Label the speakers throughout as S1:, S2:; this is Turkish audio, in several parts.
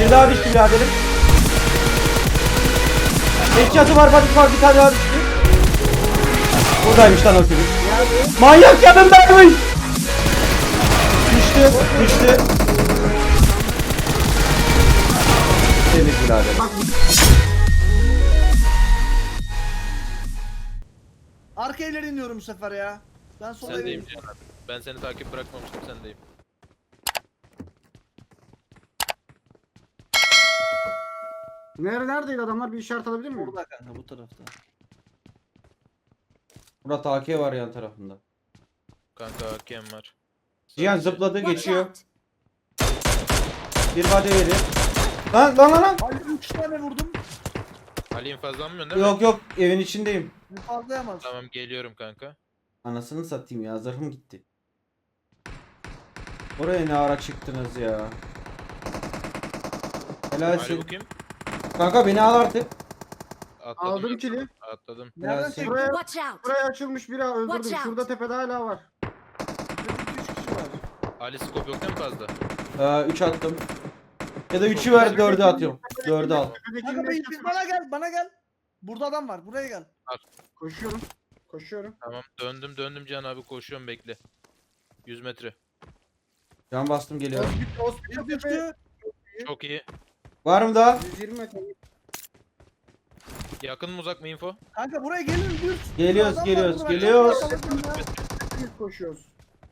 S1: Bir daha düştü biraderim. Headshot'ı var, patik var, bir tane daha düştü. Buradaymış lan o çocuk. Manyak yanındaymış. Düştü, düştü. Temiz biraderim.
S2: Arka evlere iniyorum bu sefer ya. Ben sola
S3: Sendeyim
S2: evlere
S3: Cihan abi. Ben seni takip bırakmamıştım, sendeyim.
S4: Neredeydi adamlar, bir işaret alabilir miyim?
S2: Burada kanka, bu tarafta.
S1: Burada AK var yan tarafında.
S3: Kanka hakem var.
S1: Cihan
S3: Sadece-
S1: zıpladı,
S5: Watch
S1: geçiyor.
S5: out!
S1: Bir body verir. Lan.
S2: Ali 3 tane vurdum.
S3: Ali infazlanmıyorsun değil mi?
S1: Yok yok, evin içindeyim.
S2: Fazlayamaz.
S3: Tamam geliyorum kanka.
S1: Anasını satayım ya, zırhım gitti. Oraya ne ara çıktınız ya?
S3: Ali
S1: Helalsin.
S3: bu kim?
S1: Kanka beni al artık.
S3: Atladım.
S4: Aldım kili.
S3: Atladım.
S2: Nereden
S1: Helalsin.
S2: çektin?
S4: Buraya,
S5: Watch out!
S4: buraya açılmış biri öldürdüm.
S5: Watch out.
S4: Şurada tepede hala var.
S2: 3 kişi var.
S3: Ali scope yok değil mi fazla?
S1: 3 attım. Ya da 3'ü ver, 4'ü atıyorum. 4'ü al.
S4: Tepedekinin
S2: Kanka
S4: eşyası var.
S2: bana gel. Burada adam var, buraya gel.
S4: Koşuyorum. Koşuyorum.
S3: Tamam döndüm Cihan abi, koşuyorum, bekle. 100 metre.
S1: Can bastım, geliyorum.
S4: Hospital
S2: Bir
S4: tepe.
S2: düştü.
S3: Çok iyi.
S1: Var mı daha?
S4: 120 metre.
S3: Yakın mı uzak mı info?
S2: Kanka buraya gelin düz.
S1: Geliyoruz,
S2: Adam var
S1: geliyoruz,
S2: burada, bak.
S1: geliyoruz.
S4: Biz koşuyoruz.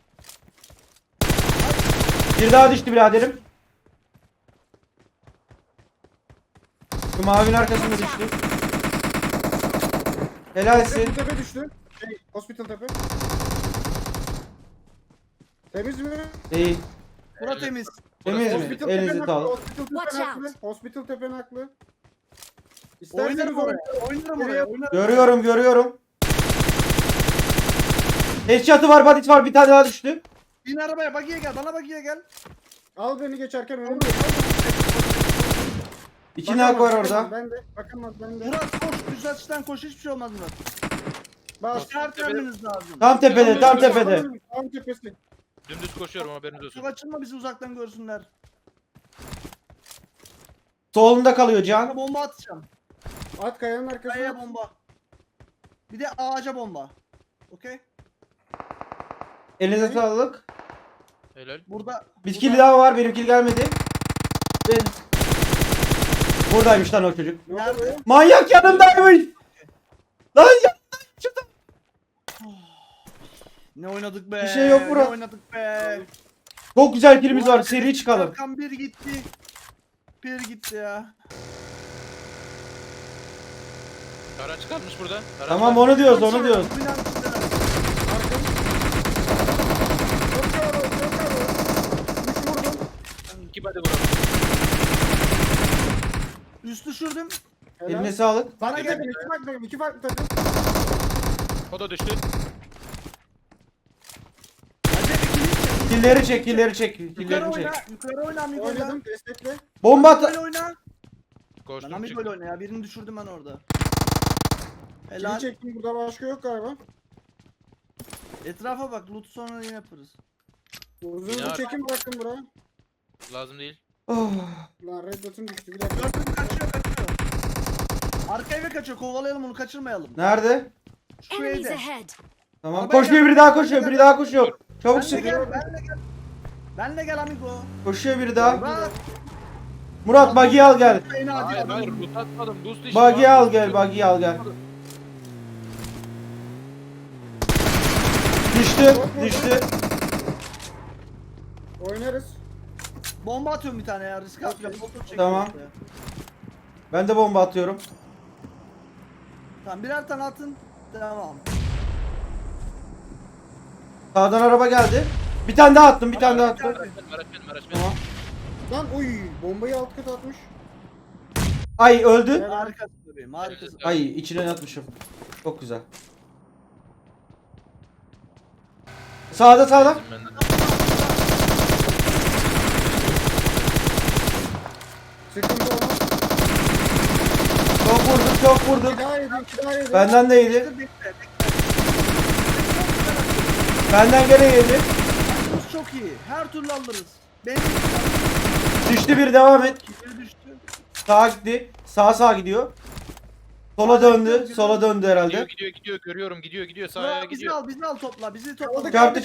S1: Bir daha düştü biraderim. Şu mavinin arkasında düştü. Helalsin.
S4: Tepe düştü. Hospital tepe. Temiz mi?
S1: Değil.
S2: Bura temiz.
S1: Temiz mi?
S4: Hospital
S1: Elinizi
S4: tepe
S1: sağlık.
S4: Hospital
S5: Watch
S4: tepe
S5: out.
S4: haklı. Hospital tepe haklı.
S2: Oynarım
S4: İsterseniz
S2: oraya. Oynarım oraya.
S1: Görüyorum. Headshot'ı var, badit var, bir tane daha düştü.
S2: Bin arabaya, bagiye gel. Bana bagiye gel.
S4: Al beni geçerken önümde.
S1: İki nak var
S4: Bakamaz,
S1: orada.
S4: Ben de. Bakamaz ben de.
S2: Murat koş. Düz açıdan koş. Hiçbir şey olmaz Murat.
S4: Bas.
S2: İşaret vermeniz lazım.
S1: Tam tepede, tam tepede.
S4: Tam tepesi.
S3: Dümdüz koşuyorum, haberiniz olsun.
S2: Çok açılma, bizi uzaktan görsünler.
S1: Solunda kalıyor
S2: Kanka
S1: Can.
S2: bomba atacağım.
S4: At kayanın arkasına.
S2: Kayaya bomba. Bir de ağaca bomba. Okey?
S1: Elinize sağlık.
S3: Helal.
S2: Burada.
S1: Bir kill daha var, benim kill gelmedi. Ben... Buradaymış lan o çocuk.
S2: Nerede?
S1: Manyak yanındaymış. Lan ya.
S2: Ne oynadık be?
S1: Bir şey yok Murat.
S2: Ne oynadık be?
S1: Çok güzel killimiz var, seri çıkalım.
S2: Erkan bir gitti. Bir gitti ya.
S3: Araç kalmış burada. Araç
S1: Tamam,
S3: var.
S1: onu diyoruz, onu diyoruz.
S2: Bu binanın içindeler.
S4: Çok yavru, çok yavru. 3 vurdum.
S3: 2 body vuralım.
S2: Üst düşürdüm.
S4: Helal.
S1: Eline sağlık.
S2: Bana gel.
S4: Takım, iki farklı takım, iki farklı takım.
S3: O da düştü.
S1: Killeri çek.
S2: Yukarı
S1: Killerini
S2: oyna.
S1: çek.
S2: Yukarı oyna Amigo'yla.
S4: Oynadım, destekle.
S1: Bomba
S2: Böyle
S1: at.
S2: oyna. Ben
S3: Koştum
S2: Amigo'yla
S3: çıktım.
S2: oyna ya. Birini düşürdüm ben orada.
S4: Kili
S2: Helal.
S4: çektim, burada başka yok galiba.
S2: Etrafa bak. Loot sonra yine yaparız.
S4: Uzun
S3: Yine
S4: bir
S3: var.
S4: çekim bıraktım buraya.
S3: Lazım değil.
S1: Oh.
S4: Lan red dot'um düştü, bir dakika.
S2: Gördüm, kaçıyor. Arka eve kaçıyor. Kovalayalım onu, kaçırmayalım.
S1: Nerede?
S2: Şu
S5: Enemies
S2: evde.
S5: ahead!
S1: Tamam,
S2: Arabaya
S1: koşuyor,
S2: gel.
S1: biri daha koşuyor, biri daha koşuyor. Çabuk
S2: Benle
S1: sık.
S2: gel. Benle gel. Benle gel amigo.
S1: Koşuyor biri daha.
S2: Bak.
S1: Murat, buggy'i al gel.
S2: Beni
S3: Hayır
S2: acı.
S3: hayır, loot atmadım. Boost işte.
S1: Buggy'i al gel, buggy'i al gel. Düştü.
S4: Oynarız.
S2: Bomba atıyorum bir tane ya. Risk atacağım. Motor çekiyorum
S1: Tamam.
S2: işte.
S1: Ben de bomba atıyorum.
S2: Tamam, birer tane atın. Tamam.
S1: Sağdan araba geldi. Bir tane daha attım.
S3: Araç benim, araç benim.
S1: Tamam.
S4: Lan oy, bombayı alt kat atmış.
S1: Ay, öldü.
S2: Harikasın bebeğim. Harikasın.
S1: Ay, içine atmışım. Çok güzel. Sağda.
S3: Benden.
S4: Sıkıntı olmaz.
S1: Çok vurdum.
S4: İki daha yedi, iki daha yedi.
S1: Benden de yedi.
S2: Bekle, bekle.
S1: Benden gene yedi.
S2: Çok iyi. Her türlü alırız. Benim
S1: Düştü, bir devam et.
S2: biri düştü.
S1: Sağa gitti. Sağa gidiyor. Sola döndü. Sola döndü herhalde.
S3: Gidiyor görüyorum gidiyor sağa
S2: Murat bizi
S3: gidiyor.
S2: al, bizi al topla, bizi topla.
S1: Çarptı.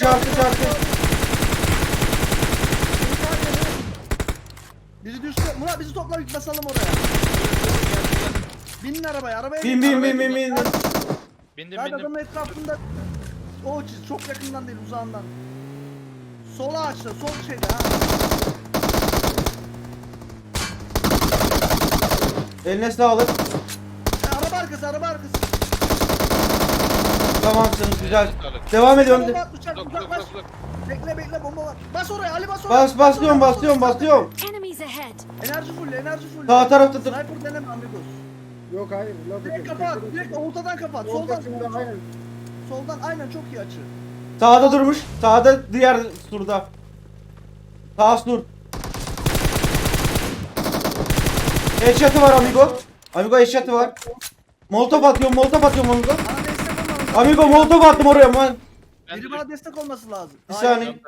S2: Bizi düştü. Murat bizi topla, bir basalım oraya. Binin arabaya, arabaya.
S1: Bin.
S3: Bindim
S2: Hadi adamın
S3: bindim.
S2: etrafında. O çiz, çok yakından değil, uzağından. Sola açtı, sol şeyde ha.
S1: Eline sağlık.
S2: Araba arkası.
S1: Tamamsınız güzel.
S3: Sağlık.
S1: Devam ediyorum.
S2: Bomba at, uçak,
S3: Uzak,
S2: uzaklaş.
S3: uzak.
S2: Bekle, bomba var. Bas oraya, Ali bas oraya.
S1: Basıyorum.
S5: Enemies ahead.
S2: Enerji full.
S1: Sağ tarafta dur.
S2: Sniper deneme amigos.
S4: Yok hayır. Laf
S2: Direkt
S4: ediyorum.
S2: kapat, direkt ortadan kapat.
S4: Ortasında hayır.
S2: Soldan aynen çok iyi açı.
S1: Sağda durmuş. Sağda diğer surda. Sağ sur. Headshot'ı var amigo. Amigo headshot'ı var. Molotov atıyorum amigo.
S2: Bana destek olmalı.
S1: Amigo molotov attım oraya. Man.
S3: Ben
S2: Biri
S3: de
S2: bana destek olması lazım.
S1: Bir
S2: Aynen.
S1: saniye.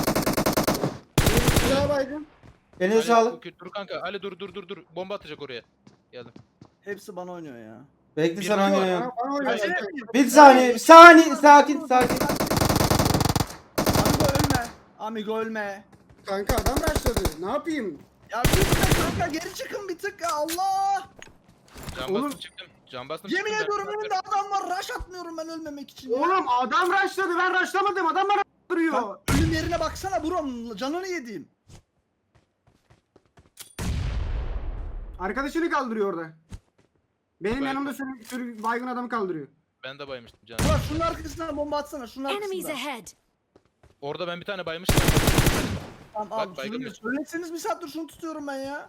S4: Silah baygın.
S1: Eline
S3: Ali,
S1: sağlık.
S3: Dur kanka. Ali dur. Bomba atacak oraya. Geldim.
S2: Hepsi bana oynuyor ya.
S1: Bekle
S3: Bir
S1: sen
S3: var,
S1: oynuyorsun.
S4: Bana oynuyor.
S3: Hayır.
S1: Bir saniye. Sakin.
S2: Amigo ölme.
S4: Kanka adam başladı. Ne yapayım?
S2: Ya bir tık kanka geri çıkın bir tık ya Allah.
S3: Can
S4: Oğlum.
S3: bastım çıktım.
S2: Yemin
S3: çıktım
S2: ediyorum
S3: ben.
S2: önümde adam var. Rush atmıyorum ben ölmemek için ya.
S4: Oğlum adam rushladı. Ben rushlamadım. Adam bana duruyor.
S2: Bak, ölüm yerine baksana buram. Canını yediğim.
S4: Arkadaşını kaldırıyor orada. Benim
S3: Baygın.
S4: yanımda sürü baygın adamı kaldırıyor.
S3: Ben de baymıştım can.
S2: Murat şunun arkasına bomba atsana. Şunun
S5: Enemies
S2: arkasına.
S5: ahead.
S3: Orada ben bir tane baymıştım.
S2: Tamam
S3: Bak,
S2: al.
S3: baygın
S2: Şunu
S3: bir-
S2: söyleseniz bir saattir şunu tutuyorum ben ya.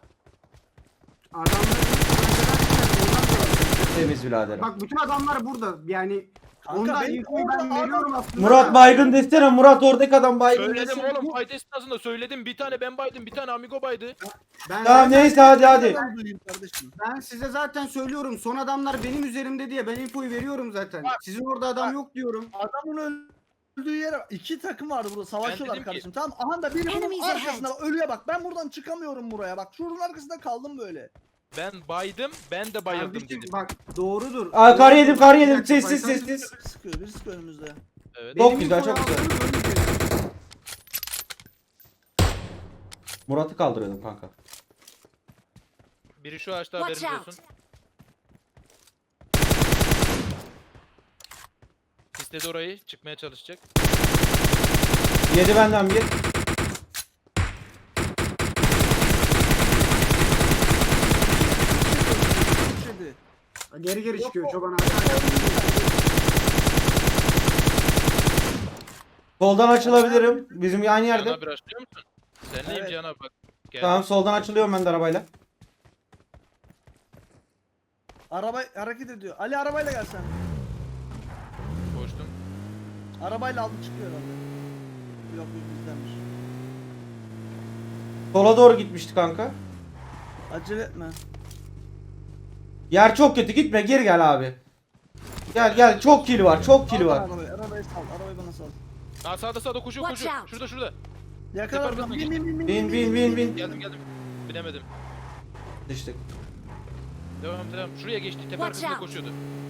S1: Temiz biraderim.
S4: Bak bütün adamlar burada. Yani
S2: Kanka
S4: ondan
S2: benim
S4: infoyu ben
S2: orada
S4: veriyorum aslında.
S1: Murat baygın desene. Murat oradaki adam baygın
S3: Söyledim
S1: desene.
S3: oğlum fight esnasında söyledim. Bir tane ben baydım. Bir tane amigo baydı.
S4: Ben,
S1: Tamam neyse hadi.
S2: Ben duyayım kardeşim.
S4: ben size zaten söylüyorum. Son adamlar benim üzerimde diye ben infoyu veriyorum zaten. Sizin orada adam yok diyorum.
S2: Adamın öldüğü yere iki takım vardı burada savaşıyorlar
S3: dedim ki-
S2: kardeşim. Tamam aha da biri bunun
S5: Enemies
S2: arkasında ölüye bak. Ben buradan çıkamıyorum buraya bak. Şunun arkasında kaldım böyle.
S3: Ben baydım. Ben de bayıldım
S4: Kardeşim,
S3: dedim.
S4: bak doğrudur.
S1: Aa, kar yedim.
S4: Bir dakika,
S1: Sessiz.
S2: Biri sıkıyor, biri sıkıyor önümüzde.
S3: Evet.
S1: Çok
S4: Benim
S1: güzel,
S4: infoyu
S1: çok güzel.
S4: aldınız, öyle diyorum.
S1: Murat'ı kaldırıyordum kanka.
S3: Biri şu ağaçta
S5: Watch
S3: haberiniz
S5: out.
S3: olsun. İstedi orayı. Çıkmaya çalışacak.
S1: Yedi benden bir.
S2: Şeydi.
S4: Geri geri çıkıyor çoban abi.
S1: Soldan açılabilirim. Bizim aynı
S3: Cihan
S1: yerde.
S3: abi açlıyor musun? Sen neyim
S2: Evet.
S3: Cihan abi bak. Gel.
S1: Tamam soldan açılıyorum ben de arabayla.
S2: Araba hareket ediyor. Ali arabayla gel sen.
S3: Koştum.
S2: Arabayla aldı çıkıyor herhalde. Yok bizdenmiş.
S1: Sola doğru gitmişti kanka.
S2: Acele etme.
S1: Yer çok kötü gitme geri gel abi. Gel çok kill var çok kill
S2: Al
S1: var.
S2: Arabayı sal. Arabayı bana sal.
S3: Aa sağda koşuyor.
S5: Watch out.
S3: Şurada.
S2: Yakala
S3: Süper
S2: oradan.
S3: basma
S1: Bin.
S3: Geldim. Binemedim.
S1: Düştük.
S3: Devam. Şuraya geçti. Tepe
S5: Watch
S3: arkasında
S5: out.
S3: koşuyordu.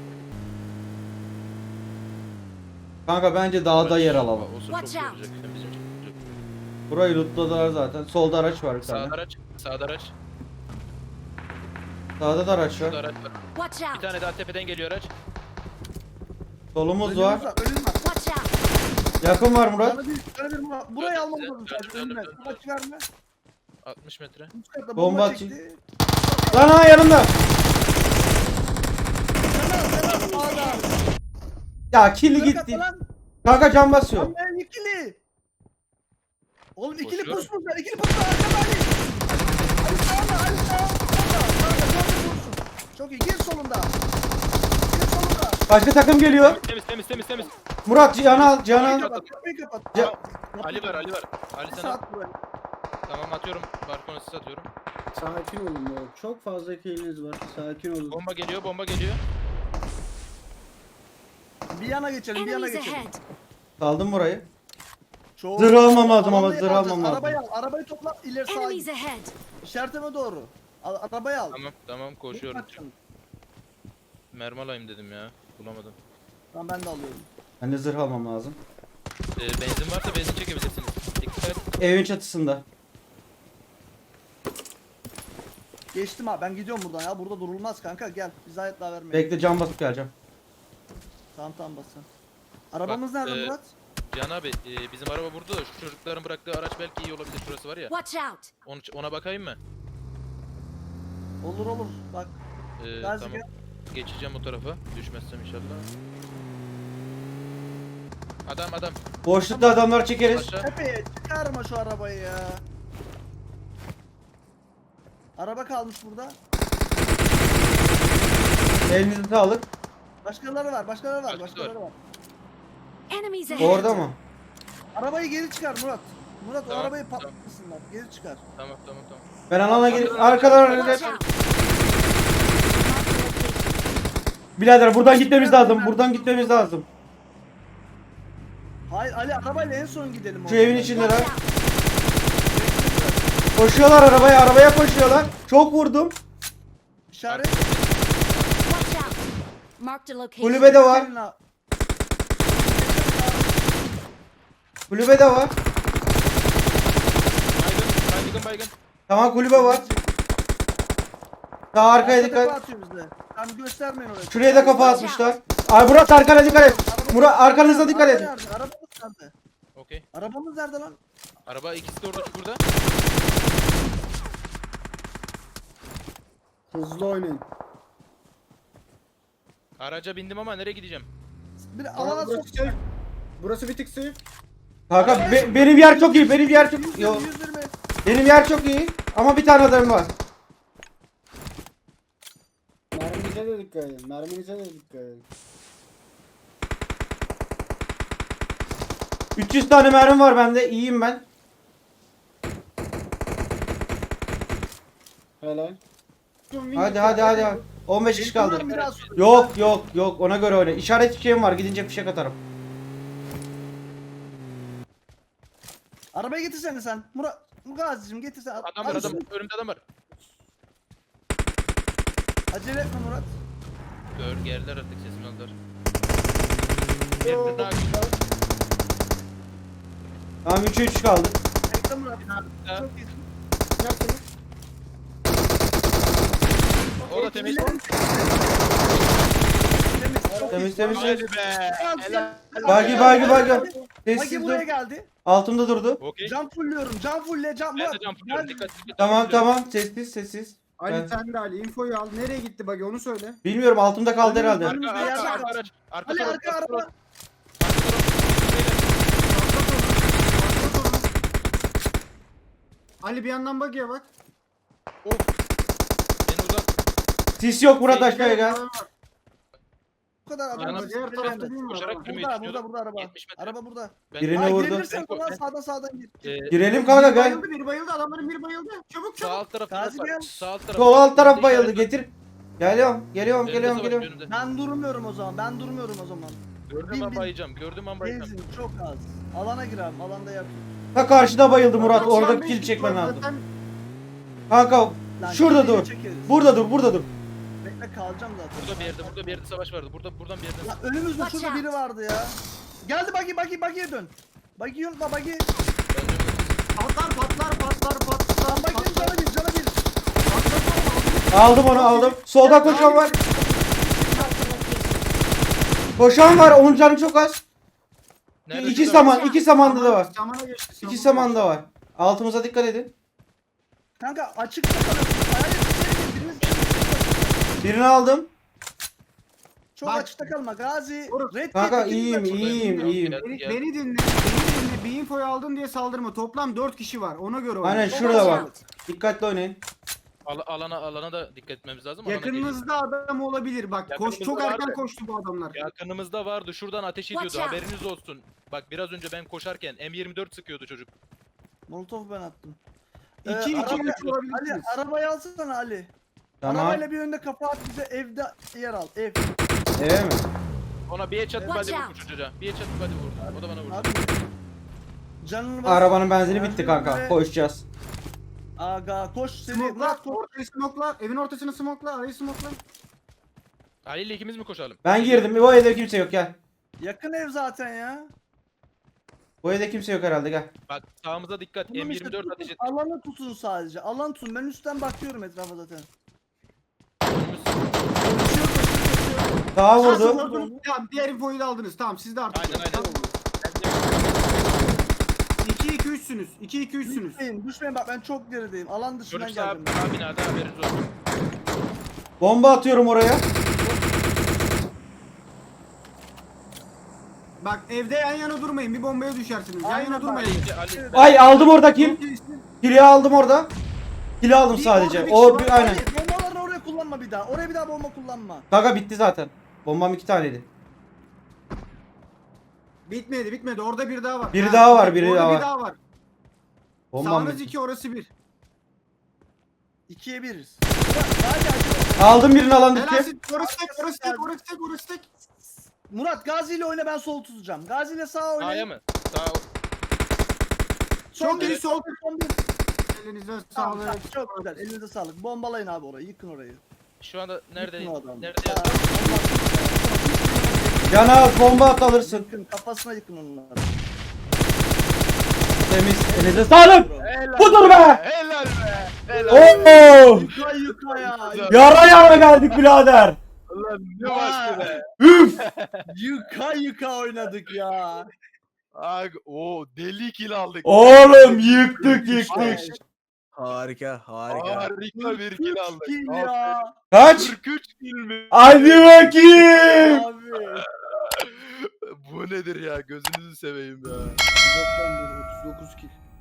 S1: Kanka bence dağda yer alalım.
S3: Olsa
S5: Watch
S3: çok iyi
S5: out.
S3: olacak. Hem bizim için olacak.
S1: Burayı lootladılar zaten. Solda araç var bir tane.
S3: Sağda araç.
S1: Sağda da araç
S3: Şurada
S1: var.
S3: araç var.
S5: Watch
S3: Bir
S5: out.
S3: tane daha tepeden geliyor araç.
S1: Solumuz var.
S2: Ölüm var.
S5: Watch out.
S1: Yakın var Murat.
S2: Sana bir Murat. Burayı
S3: Döndüm,
S2: almamız lazım.
S3: döndüm,
S2: Ölme.
S3: döndüm.
S2: Kaç verme.
S3: 60 metre.
S2: Üst katta
S1: Bomba
S2: bomba
S1: atayım.
S2: çekti.
S1: Lan ha yanımda.
S2: Sen sağda.
S1: Ya killi
S2: Yukarı
S1: gitti.
S2: katta lan.
S1: Kanka can basıyor.
S2: Lan ben ikili. Oğlum ikili
S3: Koşuyorum.
S2: pusmuşlar. İkili pusmuşlar. Arkada Ali. Ali sağda. Ali sağda. Kanka çok iyi vursun. Çok iyi. Gir solunda. Gir solunda.
S1: Başka takım geliyor.
S3: Temiz.
S1: Murat Cihan'ı al. Cihan'ı al.
S2: Kapat. Kapıyı kapat.
S1: Ya-
S3: Ali var. Ali
S2: Bir
S3: sana.
S2: saat buraya.
S3: Tamam atıyorum. Balkona sis atıyorum.
S6: Sakin olun bu. Çok fazla killiniz var. Sakin olun.
S3: Bomba geliyor.
S2: Bir yana geçelim. Bir yana
S5: Enemies
S2: geçelim.
S5: ahead.
S1: Saldım burayı.
S2: Çok-
S1: Zırh almam lazım ama
S2: Arabayı
S1: zırh
S2: alacağız.
S1: almam lazım.
S2: Arabayı al. Arabayı topla. İleri sağa
S5: Enemies
S2: git.
S5: ahead.
S2: İşaretime doğru. Arabayı al.
S3: Tamam koşuyorum.
S2: Bakın.
S3: Mermi alayım dedim ya. Bulamadım.
S2: Tamam ben de alıyorum.
S1: Ben de zırh almam lazım.
S3: Benzin varsa benzin çekebilirsiniz. Dikkat et.
S1: Evin çatısında.
S2: Geçtim abi ben gidiyorum buradan ya. Burada durulmaz kanka gel. Bize ayet daha vermeyin.
S1: Bekle cam basıp geleceğim.
S2: Tamam basın. Arabamız
S3: Bak,
S2: nerede Murat?
S3: Can abi bizim araba burada da şu çocukların bıraktığı araç belki iyi olabilir. Şurası var ya.
S5: Watch out!
S3: Ona bakayım mı?
S2: Olur bak. Gazi
S3: Tamam.
S2: gel.
S3: Geçeceğim o tarafa. Düşmezsem inşallah. Adam.
S1: Boşlukta adamlar çekeriz.
S3: Aşağı.
S2: Tepeye çıkarma şu arabayı ya. Araba kalmış burada.
S1: Elinizi sağlık.
S2: Başkaları var.
S3: Başkaları
S2: Başkaları var.
S5: Enemies ahead!
S1: Orada mı?
S2: Arabayı geri çıkar Murat. Murat o
S3: Tamam,
S2: arabayı
S3: tamam.
S2: patlatsınlar. Geri çıkar.
S3: Tamam.
S1: Ben alana gidip arkadan
S5: Watch out!
S1: Birader buradan gitmemiz lazım. Buradan gitmemiz lazım.
S2: Hayır Ali arabayla en son gidelim.
S1: Şu
S2: oradan.
S1: evin içindeler.
S5: Watch out!
S1: Koşuyorlar arabaya koşuyorlar. Çok vurdum.
S2: İşaret.
S5: Watch out! Marked a location.
S1: Kulübede var. Kulübede var.
S3: Baygın.
S1: Tamam kulübe var. Sağ arkaya
S2: Arka tepe
S1: dikkat.
S2: atıyor bize. Tam göstermeyin orayı.
S1: Şuraya da kafa atmışlar. Ay Murat arkana dikkat et. Murat arkanıza dikkat edin.
S2: Arabamız nerede?
S3: Okey.
S2: Arabamız nerede lan?
S3: Araba ikisi de orada burada.
S6: Hızlı oynayın.
S3: Araca bindim ama nereye gideceğim?
S2: Bir
S6: Tamam,
S2: alana sok.
S6: burası safe. Burası bir tık safe.
S1: Kanka benim yer çok iyi. Benim yer çok
S2: 120,
S1: Yo,
S2: 120.
S1: benim yer çok iyi. Ama bir tane adam var.
S6: Merminize de dikkat edin. Merminize de dikkat edin.
S1: 300 tane mermi var bende. İyiyim ben.
S6: Helal.
S1: Hadi. 15 kişi kaldı.
S2: Bunlar biraz sonra.
S1: Yok ona göre oyna. İşaret fişeğim var. Gidince fişek atarım.
S2: Arabayı getirsene sen. Gazi'cim getirsene.
S3: Adam var. Önümde adam var.
S2: Acele etme Murat.
S3: Geldiler artık sesimi aldılar.
S6: Yo.
S3: Bir daha
S1: Tamam 3'e 3 kaldı.
S2: Bekle Murat.
S3: Ha.
S2: Çok iyisin.
S6: Yaptınız.
S3: O da temiz.
S1: Temiz.
S3: Hadi be. Helal.
S1: Bagi.
S2: Bagi
S1: Sessiz
S2: buraya
S1: dur.
S2: geldi.
S1: Altımda durdu.
S3: Okey.
S2: Cam fulluyorum. Cam fulle. Cam
S3: Ben
S2: Murat.
S3: de jump yapıyorum.
S2: Gel.
S3: Dikkat.
S1: Tamam. Sessiz.
S6: Ali
S1: Ben-
S6: sen de Ali. Infoyu al. Nereye gitti bak onu söyle.
S1: Bilmiyorum altımda kaldı herhalde.
S2: Önümüzde
S3: Arka
S2: yerde
S3: araç.
S2: kaldı.
S3: Arka
S2: Ali
S3: taraf.
S2: arka araba.
S6: Ali bir yandan bagiye bak.
S3: En uzak.
S1: Sis yok Murat aşağıya gel.
S2: Bu kadar adam.
S3: Yanım-
S2: var.
S6: Diğer tarafta değil mi?
S3: Koşarak
S6: araba?
S3: yürümeyi
S2: Burada
S3: düşünüyordum.
S2: araba.
S3: 70 metre.
S2: Araba burada.
S1: Birini
S2: Aa,
S1: vurdu.
S2: girebilirsen ulan sağdan gir.
S1: Girelim kanka
S6: Biri
S1: gel.
S6: bayıldı, biri bayıldı. Adamların biri bayıldı. Çabuk
S3: Sağ
S6: çabuk.
S3: alt taraf.
S2: Gazi gel.
S3: Sağ alt taraf.
S1: Sol alt taraf bayıldı.
S3: İşaret var.
S1: Getir. Geliyorum.
S3: Önünde savaş, önünde.
S2: Ben durmuyorum o zaman.
S3: Gördüğüm an bayacağım.
S2: Benzin çok az. Alana girelim. Alanda yak.
S1: Ta karşıda bayıldı Murat.
S6: Adam
S1: Orada
S6: şu an
S1: kill
S6: beş
S1: çekmen
S6: kişi var.
S1: lazım.
S6: Zaten
S1: Kanka
S2: Lan
S1: şurada
S2: şimdi
S1: dur.
S2: çekeriz.
S1: Burada dur.
S2: Bekle kalacağım zaten.
S3: Burada bir yerde savaş vardı. Buradan bir yerden.
S2: Ya önümüzde
S5: Watch
S2: şurada
S5: out.
S2: biri vardı ya. Geldi bagiye dön. Bagi unutma bagi.
S6: patlar.
S2: Lan baginin cana bir.
S1: Aldım onu aldım. Solda koşan var. Koşan var. Onun canı çok az.
S3: Nerede?
S1: İki
S3: Şurada.
S1: samanda da var.
S6: Samana geçti.
S1: İki samanda var. Altımıza dikkat edin.
S2: Kanka açıkta kalıyorsun. Hayır içeri gir. Biriniz
S1: Birini aldım.
S2: çok
S6: Bak.
S2: açıkta kalma. Gazi.
S6: Vurun.
S2: Red
S1: Kanka
S2: Dead ikiniz
S1: iyiyim.
S3: Gel,
S6: Beni,
S3: gel.
S6: beni dinle. Bir infoyu aldın diye saldırma. Toplam 4 kişi var. Ona göre oyna.
S1: Aynen
S5: Watch
S1: şurada bak.
S5: out!
S1: Dikkatli oynayın.
S3: Alana da dikkat etmemiz lazım. Alana geliyor.
S6: Yakınınızda adam olabilir. Bak
S3: Yakınımızda
S6: çok erken
S3: vardı.
S6: koştu bu adamlar.
S3: Yakınımızda vardı. Şuradan ateş
S5: Watch
S3: ediyordu.
S5: out.
S3: Haberiniz olsun. Bak biraz önce ben koşarken M24 sıkıyordu çocuk.
S2: Molotov ben attım.
S6: 2
S2: araba-
S6: 3 olabilirsiniz.
S2: Ali arabayı alsana Ali.
S1: Tamam.
S2: Arabayla bir önde kafa at bize evde yer al. Ev.
S1: Eve mi?
S3: Ona bir headshot
S5: Watch
S3: body
S5: out.
S3: vurdu çocuğa. Bir headshot body vurdu. O da bana vurdu.
S2: Abi. Canını bas.
S1: Arabanın benzini bitti kanka.
S2: Ve
S1: Koşacağız.
S2: Aga koş seni.
S6: Smokla.
S2: Murat koş.
S6: Ortayı smokla. Evin ortasını smokla. Arayı smokla.
S3: Ali ile ikimiz mi koşalım?
S1: Ben girdim. Bu evde kimse yok gel.
S2: Yakın ev zaten ya.
S1: Bu evde kimse yok herhalde gel.
S3: Bak sağımıza dikkat.
S2: Oğlum işte
S3: M24
S2: tutun,
S3: ateş et.
S2: alanı tutun sadece. Alan tutun. Ben üstten bakıyorum etrafa zaten.
S3: Önümüz-
S2: Koşuyor koşuyor.
S1: Sağa
S6: Vurdu.
S1: vurdu.
S6: Vurdunuz. Tamam diğer infoyu da aldınız. Tamam siz de artık.
S3: Aynen aynen.
S6: 2-2-3'sünüz. 2-2-3'sünüz.
S2: Düşmeyin, düşmeyin bak ben çok gerideyim. Alan dışından
S3: Çocuk sağ,
S2: geldim.
S3: sağ binada haberiniz olsun.
S1: Bomba atıyorum oraya.
S6: Bak evde yan yana durmayın. Bir bombaya düşersiniz. Yan
S2: Aynen
S6: yana
S2: bak.
S6: durmayın.
S3: Ali,
S1: Ay aldım orada kill.
S6: Çok iyisin.
S1: Kill'i aldım orada. Kill'i aldım sadece.
S6: orada bir
S1: O
S6: kişi
S1: bir
S6: var.
S1: aynen.
S2: Hayır, bombalarını oraya kullanma bir daha. Oraya bir daha bomba kullanma.
S1: Kanka bitti zaten. Bombam 2 taneydi.
S6: Bitmedi. Orada bir daha var.
S1: Biri daha var, biri
S6: orada
S1: daha
S6: bir
S1: var.
S6: daha var.
S1: Bombam
S6: Sağınız
S1: bitti.
S6: 2 orası 1.
S2: 2'ye 1'iz. Hadi.
S1: Aldım birini alan bitti.
S6: Helalsin. Orası tek.
S2: Murat Gazi ile oyna ben sol tutacağım. Gazi ile sağ oyna.
S3: sağa mı? Sağ.
S2: Son
S6: Çok iyi,
S2: bir,
S6: sol.
S2: son bir.
S6: Elinize
S2: Tamam,
S6: sağlık.
S2: tamam, çok güzel. Elinize sağlık. Bombalayın abi orayı. Yıkın orayı.
S3: Şu anda nerede?
S2: Yıkın o adamı.
S3: Nerede?
S2: Tamam,
S1: Yana at, bomba at alırsın.
S2: Yıkın kafasına yıkın onları.
S1: Temiz. Elinize sağlık.
S2: Helal.
S1: Budur be.
S3: Helal be. Helal.
S1: Oo!
S2: Yıka ya.
S1: Yara yara geldik birader.
S3: Ulan ne başlı be.
S1: Üf.
S2: Yıka oynadık ya.
S3: O deli kill aldık.
S1: Oğlum yıktık.
S7: Harika.
S3: Harika bir kill aldık.
S2: Kill ya.
S1: Kaç?
S3: 43 kill mi?
S1: Hadi bakayım.
S2: Abi.
S3: Bu nedir ya? Gözünüzü seveyim ya.
S2: 99 kill.